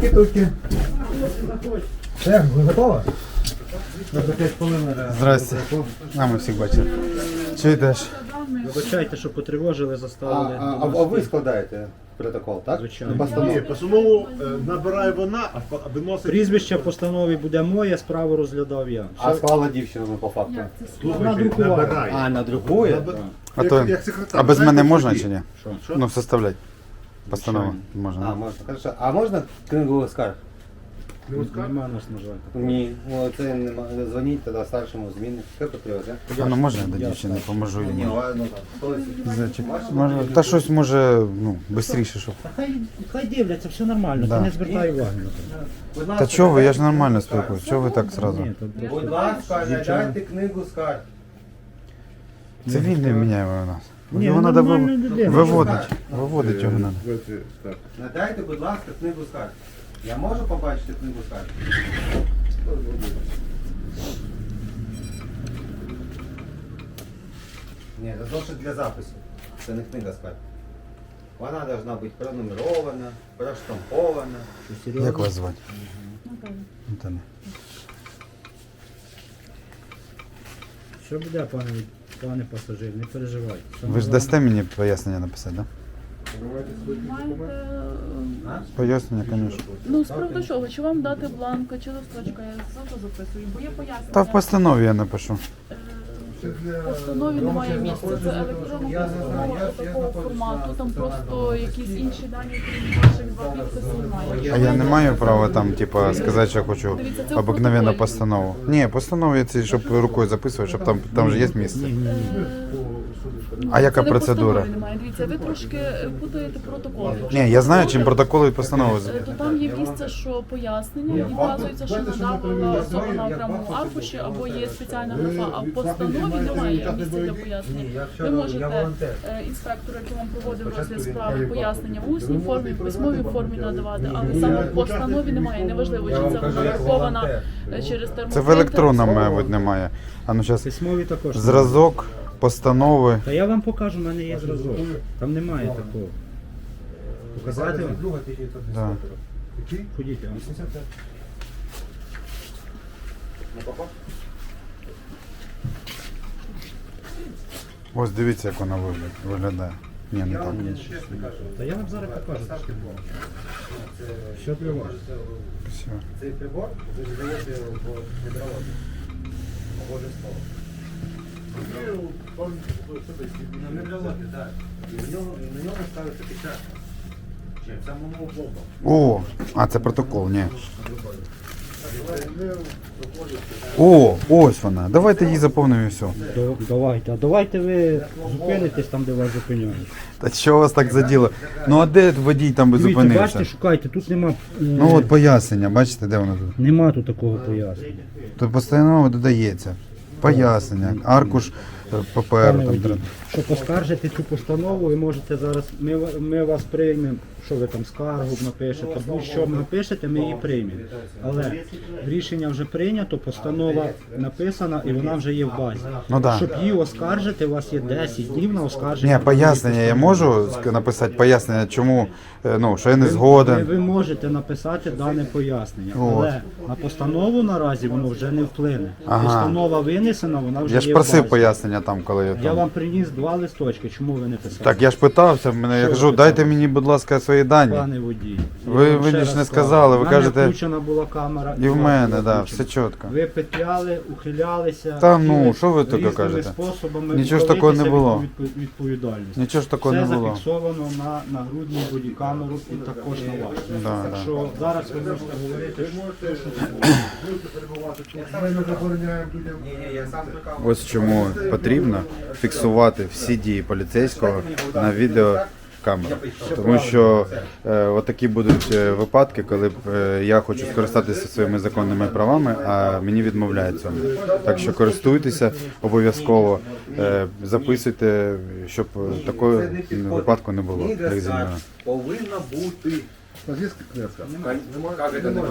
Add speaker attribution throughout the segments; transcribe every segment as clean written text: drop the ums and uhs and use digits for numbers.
Speaker 1: Туки-туки. Все, ви готові?
Speaker 2: Здрасте. А ми всіх бачили. Чи йдеш?
Speaker 3: Вибачайте, що потривожили, заставили.
Speaker 1: А ви складаєте протокол, так?
Speaker 3: Звичайно.
Speaker 1: Постанову.
Speaker 4: Ні, постанову набирає вона, а виносить.
Speaker 3: Прізвище в постанові буде моє, справу розглядав я.
Speaker 1: А склала дівчину по факту?
Speaker 4: Слухайте, набирає.
Speaker 1: А, надрукує?
Speaker 2: А то,
Speaker 4: як секретар,
Speaker 2: а без мене
Speaker 4: знаєте,
Speaker 2: можна
Speaker 4: тоді?
Speaker 2: чи ні?
Speaker 3: Що?
Speaker 2: Ну, составляти. Постанову
Speaker 1: А,
Speaker 2: можна.
Speaker 1: можна. Хорошо. А можна книгу скарг?
Speaker 3: Нема нас, на жаль.
Speaker 1: Ні, ну це нема. Дзвоніть тоді старшому зміни. Що потрібно, так?
Speaker 2: А ну можна я до дівчини поможу
Speaker 1: Ні,
Speaker 2: йому?
Speaker 1: ну так.
Speaker 2: Зайчик. Може, та щось може, ну, швидше, щоб.
Speaker 3: Хай дивляться, все нормально,
Speaker 2: Да.
Speaker 3: ти не звертай уваги на це.
Speaker 1: Будь
Speaker 2: Та
Speaker 1: ласка,
Speaker 2: чого ви, я ж нормально спілкуюсь, чого ви так зразу?
Speaker 3: Ні, то
Speaker 1: Будь
Speaker 3: просто
Speaker 1: ласка,
Speaker 3: дівчина.
Speaker 1: надайте книгу скарг.
Speaker 2: Це він не міняє у нас.
Speaker 3: Ні,
Speaker 2: Його
Speaker 3: ну,
Speaker 2: треба
Speaker 3: нормальна людина.
Speaker 2: виводить його треба.
Speaker 1: Надайте, будь ласка, книгу скарг. Я можу побачити книгу скарг? Ні, це зошит для запису. Це не книга скарг. Вона повинна бути пронумерована, проштампована.
Speaker 3: Що, серйозно?
Speaker 2: Як вас звати? Наталя.
Speaker 3: Що буде, пане пасажир, не переживайте. Все
Speaker 2: Ви ж
Speaker 3: нормально.
Speaker 2: дасте мені пояснення написати, так?
Speaker 5: Маєте,
Speaker 2: Пояснення, звісно.
Speaker 5: ну, з приводу чого? Чи вам дати бланко, чи листочка? Я завжди записую, бо є пояснення.
Speaker 2: Та в постанові я напишу.
Speaker 5: В постанові немає місця. Це електронна постанова такого формату, там просто якісь інші дані, крім ваших два підписів немає.
Speaker 2: А я не маю права там, типа, сказати, що я хочу
Speaker 5: Дивіться, це в
Speaker 2: обикновенну
Speaker 5: протоколі.
Speaker 2: постанову. Ні, постанову ці, щоб рукою записувати, щоб там же є місце. А яка
Speaker 5: Це не
Speaker 2: процедура?
Speaker 5: постанови немає. Дивіться, ви трошки путаєте протокол.
Speaker 2: Ні, я знаю, чим протоколи і постанови.
Speaker 5: То там є місце, що пояснення, і вказується, що надавала особа на окремому аркуші, або є спеціальна графа, а в постанові немає місця для пояснення. Ви можете інспектору, який вам проводив розгляд справи, пояснення в усній формі, в письмовій формі надавати, але саме в постанові немає. Неважливо, чи це вона врахована через термопринтер.
Speaker 2: Це в електронному, мабуть, немає. А ну зараз
Speaker 3: Письмові також.
Speaker 2: зразок постанови.
Speaker 3: Та я вам покажу, в мене є зразок. Там немає такого. Показати вам?
Speaker 2: Да.
Speaker 3: Ходіть, я вам.
Speaker 2: Ось дивіться, як вона виглядає. Ні, не так.
Speaker 3: Та я вам зараз покажу. Що для вас?
Speaker 2: Все.
Speaker 1: Цей прибор ви здаєте в гідрологію. Обов'язково. На гідрологію, так. І на нього ставиться печать. Чи в самому бомбу.
Speaker 2: О, а це протокол, ні. О, ось вона. Давайте її заповнимо і все.
Speaker 3: Давайте, а давайте ви зупинитесь там, де вас зупиняють.
Speaker 2: Та що вас так заділо? Ну а де водій там би
Speaker 3: Дивіться,
Speaker 2: зупинився?
Speaker 3: бачите, шукайте, тут нема,
Speaker 2: Ну от пояснення, бачите, де воно тут?
Speaker 3: нема тут такого пояснення.
Speaker 2: Тут постанова додається. Пояснення, аркуш паперу
Speaker 3: Пане
Speaker 2: там.
Speaker 3: водій,
Speaker 2: треба.
Speaker 3: щоб поскаржити цю постанову, ви можете зараз, ми вас приймемо, що ви там скаргу напишете, будь-що напишете, ми її приймемо. Але рішення вже прийнято, постанова написана і вона вже є в базі.
Speaker 2: Ну да.
Speaker 3: Щоб її оскаржити, у вас є 10 днів на оскарження.
Speaker 2: Ні, пояснення я можу написати пояснення, чому, ну, що я не
Speaker 3: Ви
Speaker 2: згоден.
Speaker 3: можете написати дане пояснення,
Speaker 2: От.
Speaker 3: але на постанову наразі воно вже не вплине.
Speaker 2: Ага.
Speaker 3: Постанова винесена, вона вже
Speaker 2: Я ж
Speaker 3: є в
Speaker 2: просив
Speaker 3: базі.
Speaker 2: пояснення там, коли я
Speaker 3: Я
Speaker 2: там.
Speaker 3: вам приніс 2 листочки, чому ви не писали?
Speaker 2: Так, я ж питався, мене, я
Speaker 3: Що
Speaker 2: кажу,
Speaker 3: ви
Speaker 2: дайте
Speaker 3: питали?
Speaker 2: мені, будь ласка, свої дані.
Speaker 3: Пане водій.
Speaker 2: Ви-
Speaker 3: я вам
Speaker 2: ви
Speaker 3: ще
Speaker 2: ж
Speaker 3: раз
Speaker 2: не
Speaker 3: кажу,
Speaker 2: сказали, ви
Speaker 3: в мене
Speaker 2: кажете-
Speaker 3: включена була камера.
Speaker 2: І в
Speaker 3: у вас
Speaker 2: мене,
Speaker 3: була
Speaker 2: да,
Speaker 3: включена.
Speaker 2: все чітко.
Speaker 3: Ви петляли, ухилялися.
Speaker 2: Та ну,
Speaker 3: хотіли
Speaker 2: що ви таке
Speaker 3: різними
Speaker 2: кажете?
Speaker 3: способами
Speaker 2: Нічого ж такого не
Speaker 3: ухилитися
Speaker 2: було.
Speaker 3: від відповідальності.
Speaker 2: Нічого ж такого
Speaker 3: Все
Speaker 2: не було.
Speaker 3: зафіксовано на нагрудній бодікамеру і також на вас.
Speaker 2: Да,
Speaker 3: так
Speaker 2: да.
Speaker 3: що зараз ви можете говорити,
Speaker 4: Ми не забороняємо людям.
Speaker 1: Ні, я сам прикав.
Speaker 2: Ось чому потрібно фіксувати всі дії поліцейського на відеокамеру. Тому що отакі будуть випадки, коли я хочу скористатися своїми законними правами, а мені відмовляють цьому. Так що користуйтеся обов'язково, записуйте, щоб такого випадку не було.
Speaker 1: Книга
Speaker 2: як зі мною.
Speaker 1: скарг повинна бути.
Speaker 4: У нас є книжка?
Speaker 1: Як це немає?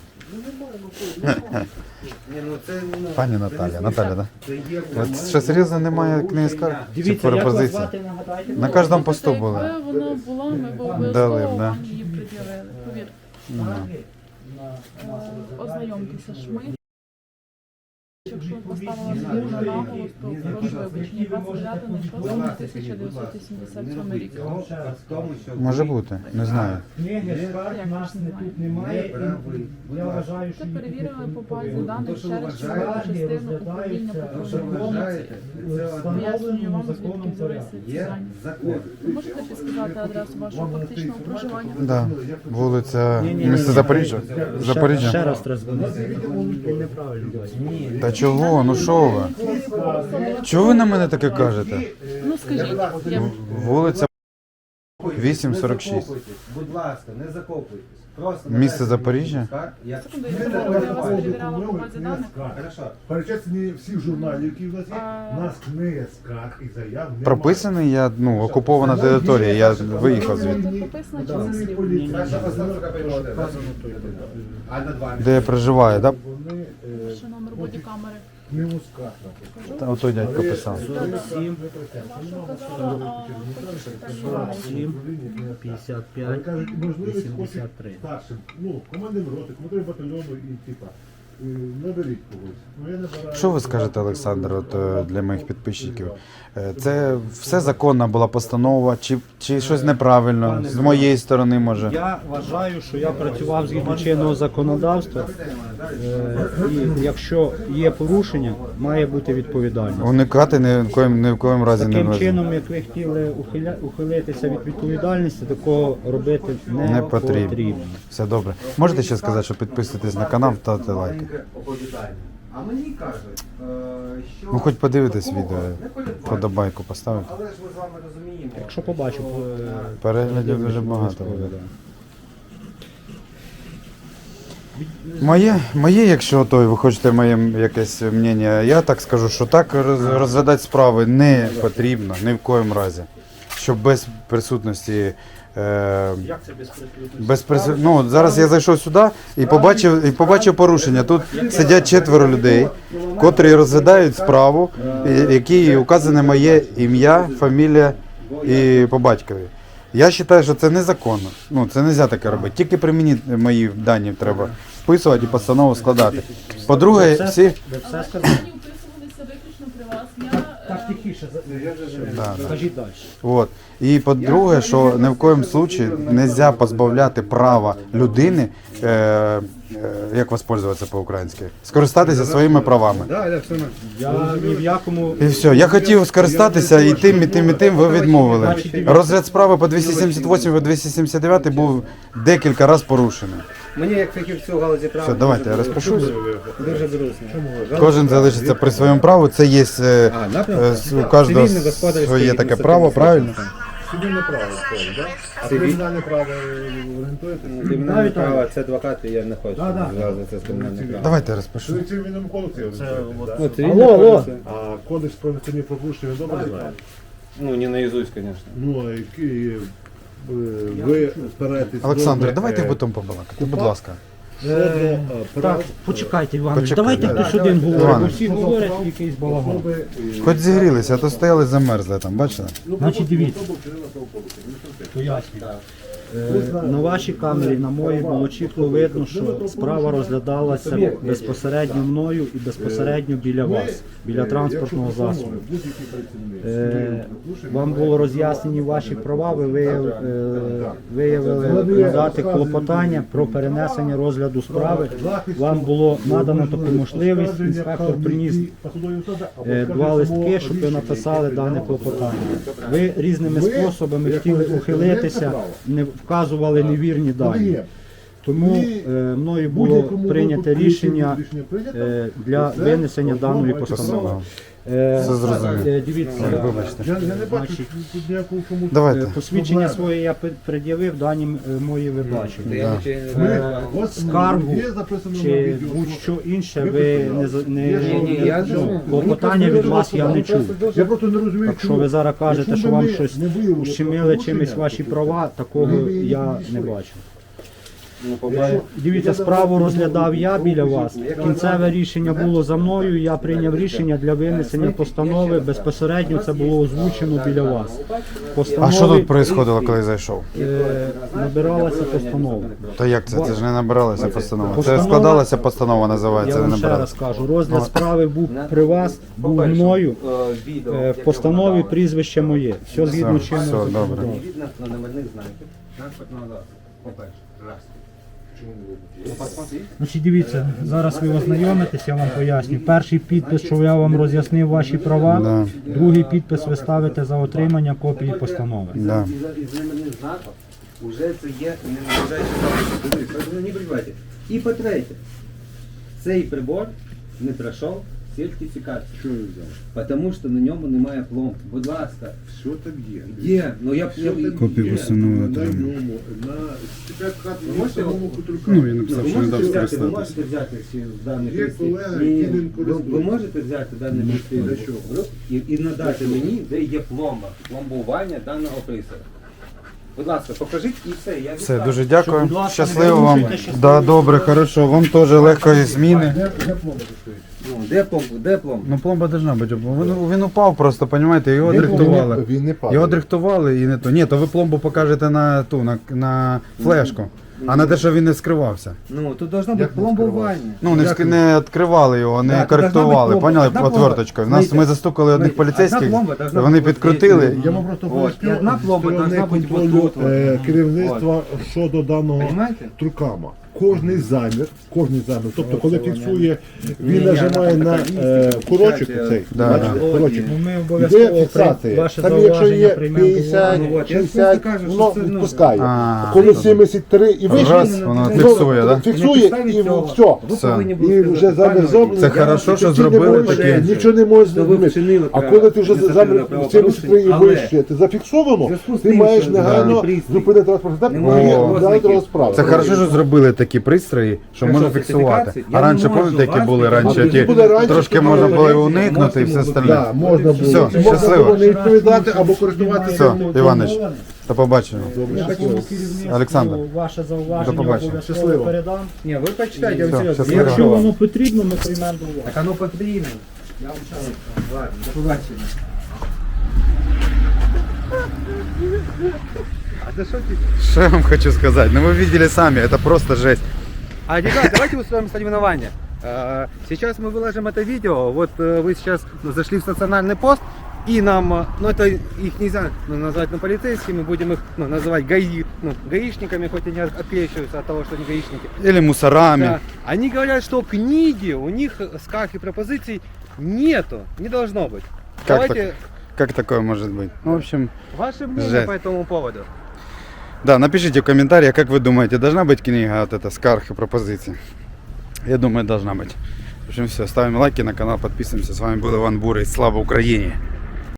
Speaker 1: Ні, ну це, ну,
Speaker 2: Пані
Speaker 1: це
Speaker 2: Наталя,
Speaker 1: не
Speaker 2: Наталя,
Speaker 1: смішно.
Speaker 2: да?
Speaker 1: Це є
Speaker 2: От що серйозно немає книги скарг? Чи
Speaker 3: Дивіться, як вас
Speaker 2: пропозиція?
Speaker 3: звати, нагадайте?
Speaker 2: На кожному посту були.
Speaker 5: Якби вона була, ми б
Speaker 2: Дали б,
Speaker 5: обов'язково
Speaker 2: да.
Speaker 5: вам її пред'явили. Повірте. Ознайомтеся ж ми. Якщо поставила звірно наголос, то прошу вибачення. 29.06.1987 рік.
Speaker 2: Може бути, не знаю.
Speaker 3: Книги скарг
Speaker 5: Як
Speaker 3: нас
Speaker 5: ви
Speaker 3: не
Speaker 5: знаєте?
Speaker 3: тут немає. І я вважаю,
Speaker 5: Це
Speaker 3: що
Speaker 5: перевірили по базі даних
Speaker 1: що
Speaker 5: через
Speaker 1: вважаєте,
Speaker 5: чергову частину управління патрульної поліції. Пояснюю вам, звідки взялися ці
Speaker 1: Є
Speaker 5: дані.
Speaker 1: закон.
Speaker 5: Ви можете підсказати адресу вашого фактичного проживання?
Speaker 2: Да. Вулиця місто Запоріжжя. Запоріжжя.
Speaker 3: Ще раз треба дзвонити. Він неправильно бачить.
Speaker 2: Та чого? Ну що ви? Чого ви на мене таке кажете?
Speaker 5: Ну скажіть, я
Speaker 2: Вулиця
Speaker 1: Не
Speaker 2: 846.
Speaker 1: закопуйтесь, будь ласка, не закопуйтесь. Просто
Speaker 2: Місце
Speaker 1: надайте
Speaker 2: Запоріжжя?
Speaker 1: скарг, як-
Speaker 5: секунду, я вас перевіряла по базі даних.
Speaker 1: Хорошо.
Speaker 4: Перечислені всіх журналів, які в нас є,
Speaker 5: А-
Speaker 4: у нас книги скарг і заяв немає.
Speaker 2: Прописаний я, окупована територія, я виїхав звідти.
Speaker 5: Це прописано чи зі слів?
Speaker 1: Перша постановка прийшла. А над вами?
Speaker 2: Де я проживаю, так?
Speaker 4: Вони
Speaker 5: Ще номер бодікамери.
Speaker 4: книгу скарг написали.
Speaker 2: Да? Ото дядько писав.
Speaker 3: 47,
Speaker 5: Ваша казала, а
Speaker 3: 7,
Speaker 4: Але
Speaker 3: 55,
Speaker 4: кажуть, можливість
Speaker 3: 83.
Speaker 4: хочуть старшим, командир роти, командир батальйону і типа, наберіть когось. Ну я не бираю.
Speaker 2: Що ви скажете, Олександр, для моїх підписчиків? Це все законна була постанова, чи щось неправильно з моєї сторони може?
Speaker 3: Я вважаю, що я працював згідно чинного законодавства, і якщо є порушення, має бути відповідальність.
Speaker 2: Уникати ні в коїм разі не
Speaker 3: Таким
Speaker 2: можна.
Speaker 3: чином, як ви хотіли ухилитися від відповідальності, такого робити
Speaker 2: Не
Speaker 3: не
Speaker 2: потрібно.
Speaker 3: потрібно.
Speaker 2: Все добре. Можете ще сказати, що підписуйтесь на канал, ставте лайки.
Speaker 1: Маленьке оповідання. А мені кажуть, що...
Speaker 2: Ну хоч подивитесь
Speaker 1: такого
Speaker 2: відео,
Speaker 1: не передбачено.
Speaker 2: подобайку поставити.
Speaker 1: Але ж ми з вами розуміємо.
Speaker 3: Якщо побачу,
Speaker 2: Переглядів дуже багато буде.
Speaker 3: да.
Speaker 2: Моє, якщо то ви хочете моє якесь мнення, я так скажу, що так розглядати справи не потрібно, ні в коїм разі. Щоб без присутності.
Speaker 3: Як це без
Speaker 2: Зараз я зайшов сюди і побачив порушення. Тут сидять 4 людей, котрі розглядають справу, які указане моє ім'я, фамілія і по батькові. Я вважаю, що це незаконно. Це не можна таке робити. Тільки при мені мої дані треба вписувати і постанову складати. По-друге, всі.
Speaker 3: Ви все сказали?
Speaker 5: Дані вписувалися виключно при вас.
Speaker 3: Так, тихіше,
Speaker 2: Да.
Speaker 3: скажіть далі.
Speaker 2: От. І по-друге, що ні в коєму случаї не можна позбавляти права людини, як воспользуватися по-українськи, скористатися своїми правами.
Speaker 3: Я ні в якому...
Speaker 2: І все. Я хотів скористатися і тим, і тим, і тим, ви відмовили. Розгляд справи по 278 і 279 був декілька разів порушений.
Speaker 1: Мені як фахівцю в галузі права...
Speaker 2: Все, давайте я розпишусь.
Speaker 1: Дуже зручно.
Speaker 2: Кожен залишиться при своєму праву. Це є у кожного своє таке право, правильно?
Speaker 4: Цивільне право входить, так? А кримінальне право орієнтуєтеся?
Speaker 1: Кримінальне право, це адвокати, я не хочу
Speaker 3: Да.
Speaker 1: зв'язуватися з кримінальним правом.
Speaker 2: Давайте я розпишу.
Speaker 4: Це цивільному кодексі орієнтуєтесь,
Speaker 1: Ну,
Speaker 4: так?
Speaker 1: цивільне
Speaker 3: Алло.
Speaker 1: кодекс,
Speaker 4: А кодекс про адміністративні пропущення ви добре знаєте?
Speaker 1: Ну, не наизусть, конечно.
Speaker 4: Ну, а які ви стараєтесь...
Speaker 2: Олександр, давайте потім побалакати, будь ласка.
Speaker 3: Так, почекайте, Іванович,
Speaker 2: Почекай,
Speaker 3: давайте
Speaker 2: да.
Speaker 3: хтось один говорить, бо
Speaker 2: Іванович.
Speaker 3: всі говорять якийсь балаган.
Speaker 2: Хоч зігрілися, а то стояли замерзли там, бачите?
Speaker 3: Значить, дивіться. Пояснюю. На вашій камері, на моїй, було чітко видно, що справа розглядалася безпосередньо мною і безпосередньо біля вас, біля транспортного засобу. Вам було роз'яснені ваші права, ви виявили надати клопотання про перенесення розгляду справи. Вам було надано таку можливість, інспектор приніс 2 листки, щоб ви написали дане клопотання. Ви різними способами хотіли ухилитися, не вказували невірні дані. Тому мною було прийнято рішення для винесення даної постанови.
Speaker 2: Це зрозуміло.
Speaker 3: Дивіться,
Speaker 2: Вибачте.
Speaker 4: Я не бачу тут ніякого чому.
Speaker 2: Давайте.
Speaker 3: посвідчення своє я пред'явив, дані мої ви бачили.
Speaker 4: Ось
Speaker 3: Скаргу
Speaker 4: є записано на
Speaker 3: чи
Speaker 4: відео.
Speaker 3: будь-що інше ви
Speaker 1: я
Speaker 3: клопотання від вас я не чув.
Speaker 4: Я просто не розумію,
Speaker 3: Якщо ви зараз кажете, що вам щось ущемили чимось ваші права, такого я не бачу.
Speaker 1: Ну, по-перше,
Speaker 3: Дивіться, справу розглядав я біля вас. Кінцеве рішення було за мною. Я прийняв рішення для винесення постанови. Безпосередньо це було озвучено біля вас.
Speaker 2: А що тут происходило, коли зайшов?
Speaker 3: Набиралася постанова.
Speaker 2: Та як це? Це ж не набиралася постанова. Це
Speaker 3: Постанова-
Speaker 2: складалася постанова,
Speaker 3: Я
Speaker 2: називається, не
Speaker 3: вам ще
Speaker 2: набиралася.
Speaker 3: раз кажу, розгляд справи був при вас, був мною. В постанові прізвище моє. Все згідно
Speaker 2: Все,
Speaker 3: чинного
Speaker 2: все, добре.
Speaker 3: законодавства.
Speaker 1: Не видно на номерних знаків транспортного засобу. По-перше, раз. Ну, посмотри.
Speaker 3: Значить, дивіться, зараз ви ознайомитесь, я вам поясню. Перший підпис, що я вам роз'яснив ваші права.
Speaker 2: Да.
Speaker 3: Другий підпис ви ставите за отримання копії постанови.
Speaker 2: Да.
Speaker 1: Із номерних знаків вже це є не належащий запис. Дивись, не прибивайте. І по-третє, цей прибор не пройшов сертифікацію.
Speaker 4: Що ви взяли?
Speaker 1: Тому що на ньому немає пломб. Будь ласка.
Speaker 4: Що там є?
Speaker 1: Де? Ну я
Speaker 2: Копію постанови
Speaker 4: На
Speaker 2: отримав.
Speaker 4: ньому, на сертифікат
Speaker 1: Ви можете
Speaker 4: самому
Speaker 1: його-
Speaker 4: Кутулька.
Speaker 2: Ну, він написав,
Speaker 1: Ви
Speaker 2: що не дав
Speaker 1: можете взяти, ви
Speaker 2: скористатися.
Speaker 1: можете взяти всі дані
Speaker 4: Є
Speaker 1: листи?
Speaker 4: колега,
Speaker 1: Ні,
Speaker 4: який ним
Speaker 1: ви
Speaker 4: користується.
Speaker 1: можете взяти дані листи
Speaker 4: Для чого?
Speaker 1: і надати мені, де є пломба, пломбування даного пристрою. Будь ласка, покажіть і все. Я
Speaker 2: Все,
Speaker 1: відправлю.
Speaker 2: дуже дякую.
Speaker 3: Будь ласка,
Speaker 2: Щасливо
Speaker 3: не
Speaker 2: вам.
Speaker 3: порушуйте, щасливо.
Speaker 2: Да, добре, хорошо. Вам теж легкої зміни.
Speaker 4: Де пломба стоїть?
Speaker 1: Ну, де пломба? Де пломба?
Speaker 2: Ну, пломба должна бути. Він упав просто, розумієте, його дрихтували.
Speaker 4: Він не падає.
Speaker 2: Його дрихтували і не то. Ні, то ви пломбу покажете на ту, на флешку. А на те, що він не скривався.
Speaker 1: Ну, тут должно бути
Speaker 4: Як не
Speaker 1: пломбування.
Speaker 2: Ну, не відкривали його, не
Speaker 1: Да, то
Speaker 2: коректували,
Speaker 1: должна бути
Speaker 2: поняли,
Speaker 1: пломба. Одна
Speaker 2: отверточкою.
Speaker 1: пломба.
Speaker 2: Ми застукали одних
Speaker 1: Знаєте,
Speaker 2: поліцейських,
Speaker 1: одна пломба должна
Speaker 2: вони
Speaker 1: бути
Speaker 2: підкрутили.
Speaker 4: Я вам просто
Speaker 1: От, і одна пломба
Speaker 4: сторони
Speaker 1: должна бути
Speaker 4: контролю
Speaker 1: вот тут,
Speaker 4: керівництва щодо даного
Speaker 1: Понимаєте?
Speaker 4: трукама. Кожний замір, тобто коли фіксує, він
Speaker 1: Ні,
Speaker 4: нажимає
Speaker 1: на
Speaker 4: на
Speaker 1: комісії,
Speaker 4: курочок
Speaker 1: включайте,
Speaker 4: цей,
Speaker 2: Да,
Speaker 4: бачите,
Speaker 2: да.
Speaker 4: курочок.
Speaker 3: Ну, ми
Speaker 4: Де
Speaker 3: обов'язково
Speaker 4: фіксація?
Speaker 3: ваше
Speaker 4: Там якщо
Speaker 3: зауваження
Speaker 4: є
Speaker 3: приймемо до
Speaker 4: 50,
Speaker 3: уваги.
Speaker 1: Ну, от, я ж
Speaker 4: 60,
Speaker 1: просто кажу,
Speaker 4: воно
Speaker 1: що це, ну,
Speaker 4: відпускає.
Speaker 2: А,
Speaker 4: Коли 73 і вище,
Speaker 2: раз, воно
Speaker 4: ну,
Speaker 2: фіксує, да?
Speaker 4: фіксує і все.
Speaker 1: Ви
Speaker 2: Все.
Speaker 1: повинні
Speaker 4: І
Speaker 1: були
Speaker 4: вже
Speaker 1: сказати,
Speaker 4: замір
Speaker 1: пане
Speaker 4: зроблений.
Speaker 2: Це
Speaker 1: Вадим,
Speaker 2: хорошо, що
Speaker 4: Ти не
Speaker 2: зробили
Speaker 4: можеш,
Speaker 2: таке.
Speaker 4: нічого не можеш
Speaker 1: То ви
Speaker 4: зробити.
Speaker 1: вчинили
Speaker 4: А коли ти вже
Speaker 1: адміністративне
Speaker 4: замір
Speaker 1: правопорушення,
Speaker 4: 73 і
Speaker 1: але
Speaker 4: вище, ти зафіксовано,
Speaker 1: зв'язку з
Speaker 4: ти
Speaker 1: тим,
Speaker 4: маєш
Speaker 1: що
Speaker 4: негайно
Speaker 1: даний пристрій
Speaker 4: зупинити транспортний
Speaker 1: не
Speaker 4: засіб
Speaker 1: має
Speaker 4: і
Speaker 1: ознаків.
Speaker 4: дати розправу.
Speaker 2: Це хорошо, що зробили такі пристрої, що
Speaker 1: Хорошо,
Speaker 2: можна фіксувати.
Speaker 1: сертифікації?
Speaker 2: А
Speaker 1: Я
Speaker 2: раніше,
Speaker 1: не можу
Speaker 2: пам'ятаєте, які
Speaker 1: вас
Speaker 2: були раніше?
Speaker 4: тоді
Speaker 2: Ті
Speaker 4: буде раніше,
Speaker 2: трошки
Speaker 4: тоді
Speaker 2: можна
Speaker 4: буде
Speaker 2: було і
Speaker 1: поліція,
Speaker 2: уникнути і
Speaker 1: можете
Speaker 2: все
Speaker 1: йому
Speaker 2: остальне.
Speaker 4: Да, можна було.
Speaker 2: Все,
Speaker 4: І можна
Speaker 2: щасливо.
Speaker 4: було не відповідати або користуватися.
Speaker 2: Все, Іванич, до побачення. Олександр,
Speaker 3: Ваше
Speaker 2: до
Speaker 3: зауваження
Speaker 2: побачення.
Speaker 3: обов'язково
Speaker 4: Щасливо.
Speaker 3: передам.
Speaker 1: Ні, ви почитайте, я
Speaker 2: Все,
Speaker 1: вам серйозно.
Speaker 2: щасливо.
Speaker 3: Якщо воно потрібно, ми приймемо до уваги.
Speaker 1: Так оно потрібно. Я вам зараз. Ладно, до побачення. А це що ти?
Speaker 2: Что я вам хочу сказать? Ну вы видели сами, это просто жесть.
Speaker 1: А, ребят, давайте устроим соревнование. Сейчас мы выложим это видео. Вот вы сейчас зашли в стационарный пост, и нам, ну это их нельзя назвать полицейскими, будем их называть гаишниками, хоть они отпещиваются от того, что они гаишники.
Speaker 2: Или мусорами.
Speaker 1: Да. Они говорят, что книги у них скарг и пропозиций нету, не должно быть.
Speaker 2: Как
Speaker 1: Давайте
Speaker 2: Как такое может быть? Ну, в общем,
Speaker 1: ваше мнение
Speaker 2: Жесть.
Speaker 1: по этому поводу.
Speaker 2: да, напишите в комментариях, как вы думаете, должна быть книга от это скарг и пропозиций? Я думаю, должна быть. В общем, все, ставим лайки на канал, подписываемся. С вами был Иван Бурый. Слава Украине!